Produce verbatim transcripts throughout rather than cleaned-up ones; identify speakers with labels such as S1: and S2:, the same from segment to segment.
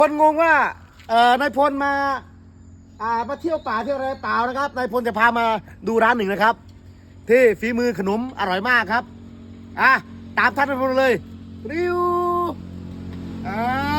S1: คนงงว่าเอ่อนายพลมาอ่ามาเที่ยวป่าเที่ยวอะไรเปล่านะครับนายพลจะพามาดูร้านหนึ่งนะครับที่ฝีมือขนมอร่อยมากครับอ่ะตามท่านนายพลเลยริวอ่า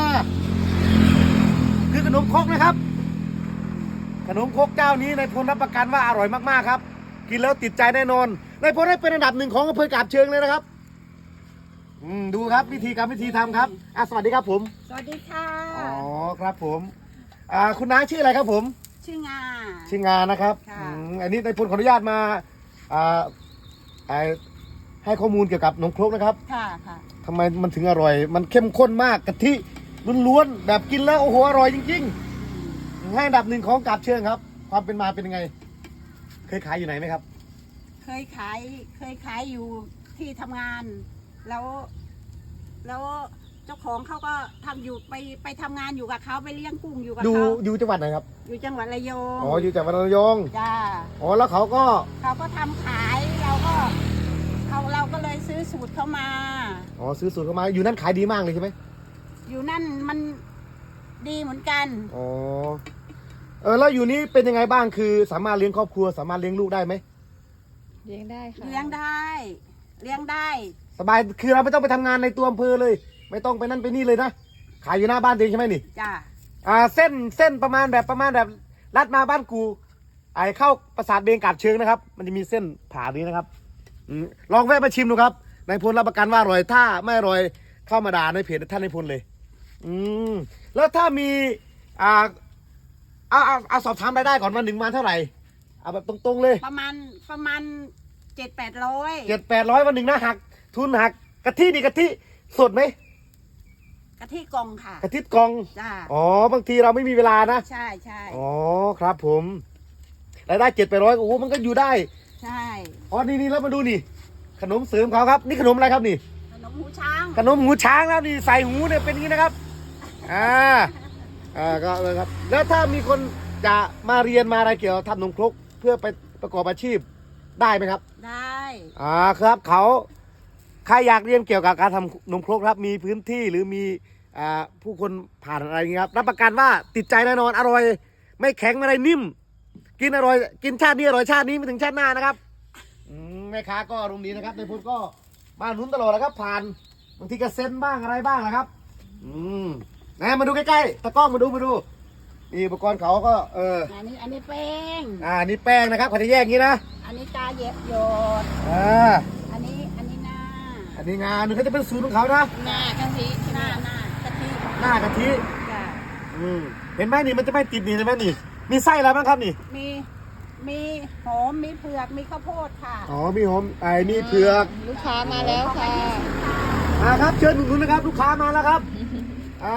S1: คือขนมครกนะครับขนมครกเจ้านี้นายพลรับประกันว่าอร่อยมากๆครับกินแล้วติดใจแน่นอนนายพลได้เป็นอันดับหนึ่งของอำเภอกาบเชิงเลยนะครับอืมดูครับวิธีการวิธีทำครับอ่ะสวัสดีครับผม
S2: สวัสดีค่ะ
S1: อ๋อครับผมอ่าคุณน้าชื่ออะไรครับผม
S2: ชื่องา
S1: ชื่องานะครับอืมอันนี้นายพลขออนุญาตมาอ่าให้ข้อมูลเกี่ยวกับขนมครกนะครับ
S2: ค่ะค่ะ
S1: ทำไมมันถึงอร่อย มันเข้มข้นมากกะทิล้วนๆแบบกินแล้วโอ้โหอร่อยจริงๆให้อันดับหนึ่งของกาบเชิงครับความเป็นมาเป็นยังไงเคยขายอยู่ไหนไหมครับ
S2: เคยขายเคยขายอยู่ที่ทำงาน แล้ว แล้วเจ้าของเขาก็ทำอยู่ไปไปทำงานอยู่กับเขาไปเลี้ยงกุ้งอยู่กับ
S1: อยู่
S2: เขา
S1: อยู่จังหวัดไหนครับ
S2: อยู่จังหวัดระยอง
S1: อ๋ออยู่จังหวัดระยอง
S2: จ้า
S1: อ๋อแล้วเขาก็
S2: เขาก็ทำขายเราก็เขาเราก็เลยซื้อสูตรเขามา
S1: อ๋อซื้อสูตรเขามาอยู่นั่นขายดีมากเลยใช่ไหม
S2: อยู่นั่นมันดีเหมือนกัน
S1: อ๋อเออแล้วอยู่นี้เป็นยังไงบ้างคือสามารถเลี้ยงครอบครัวสามารถเลี้ยงลูกได้ไหม
S3: เลี้ยงได้ค่ะ
S2: เลี้ยงได้เลี้ยงได้
S1: สบายคือเราไม่ต้องไปทำงานในตัวอำเภอเลยไม่ต้องไปนั่นไปนี่เลยนะขายอยู่หน้าบ้านเองใช่ไหมนี่
S2: จ้า
S1: อ่าเส้นเส้นประมาณแบบประมาณแบบลัดมาบ้านกูไอเข้าปราสาทเบงกาบเชิงนะครับมันจะมีเส้นผ่านี้นะครับอืมลองแวะมาชิมดูครับนายพลรับประกันว่าอร่อยถ้าไม่อร่อยเข้ามาด่าในเพจท่านนายพลเลยอืมแล้วถ้ามีอ่าเอาเอาเอาสอบถามรายได้ก่อนวันหนึ่งมาเท่าไหร่เอาแบบตรงๆเลย
S2: ประมาณประมาณเจ็ดแปดร้อย
S1: เจ็ดแปดร้อยวันหนึ่งนะหักทุนหักกะทินี่กะทิสดไหม
S2: กะทิกล่องค่ะ
S1: กะทิกล่อง
S2: จ้า
S1: อ๋อบางทีเราไม่มีเวลานะ
S2: ใช่ใช่
S1: อ๋อครับผมรายได้เจ็ดแปดร้อยโอ้โหมันก็อยู่ได้
S2: ใช่
S1: อ๋อนี่นี่แล้วมาดูนี่ขนมเสริมเขาครับนี่ขนมอะไรครับนี่
S2: ขนมหูช้าง
S1: ขนมหูช้างแล้วนี่ใส่หูเนี่ยเป็นอย่างนี้นะครับอ่าอ่าก็เลยครับแล้วถ้ามีคนจะมาเรียนมาอะไรเกี่ยวกับทำขนมครกเพื่อไปประกอบอาชีพได้ไหมครับ
S2: ได้
S1: อ่าครับเขาใครอยากเรียนเกี่ยวกับการทำขนมครกครับมีพื้นที่หรือมีอ่าผู้คนผ่านอะไรอย่างเงี้ยครับรับประกันว่าติดใจแน่นอนอร่อยไม่แข็งไม่อะไรนิ่มกินอร่อยกินชาตินี้อร่อยชาตินี้ไม่ถึงชาติหน้านะครับอืมแม่ค้าก็อารมณ์ดีนะครับในพุทธก็มาหนุนตลอดนะครับผ่านบางทีก็เซ็นบ้างอะไรบ้างนะครับอืมนะมาดูใกล้ๆตะกล้องมาดูมาดูนี่อุปกรณ์เขาก็เออ
S2: อันนี้อันนี้แป้ง
S1: อ่านี่แป้งนะครับเขาจะแยกอย่างนี้นะ
S2: อันนี้ตาเย็บโยด
S1: อ่า
S2: อันนี้อันนี้หน้า
S1: อันนี้งานนึงเขาจะเป็นสูตรของเขานะ
S2: หน้ากะทิหน้าหน้ากะทิ
S1: หน้ากะทิ
S2: จ้ะ
S1: อืมเห็นไหมนี่มันจะไม่ติดนี่ใช่ไหมนี่มีไส้อะไรบ้างครับนี่
S2: มีมีหอมมีเผือกมีข้าวโพดค่ะ
S1: อ๋อมีหอมไอ้นี่เผือก
S3: ลูกค้ามาแล้วค่ะ
S1: อ่าครับเชิญคุณนะครับลูกค้ามาแล้วครับอ่า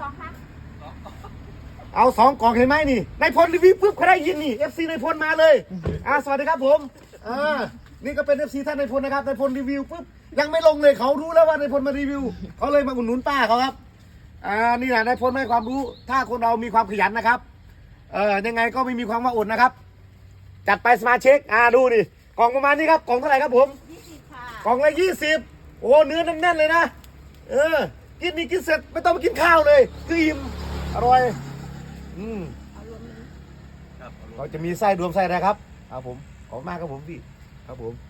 S1: เอาสองกล่องเห็นไหมนี่นายพลรีวิวปุ๊บเขาได้ยินนี่เอฟซีนายพลมาเลยอ่าสวัสดีครับผมอ่านี่ก็เป็นเอฟซีท่านนายพลนะครับนายพลรีวิวปุ๊บยังไม่ลงเลยเขารู้แล้วว่านายพลมารีวิวเขาเลยมาอุดหนุนป้าเขาครับอ่านี่แหละนายพลให้ความรู้ถ้าคนเรามีความขยันนะครับเออยังไงก็ไม่มีความว่าอดนะครับจัดไปสมาชิกอ่าดูดิกล่องประมาณนี้ครับกล่องเท่าไหร่ครับผม
S2: ยี่สิบค่ะ
S1: กล่องละยี่สิบโอ้เนื้อแน่นๆเลยนะเออกินนี่กินเสร็จไม่ต้องไปกินข้าวเลยคืออิ่มอร่อยอืมเราจะมีไส้รวมไส้อะไรครับครับผมขอบมากครับผมพี่ครับผม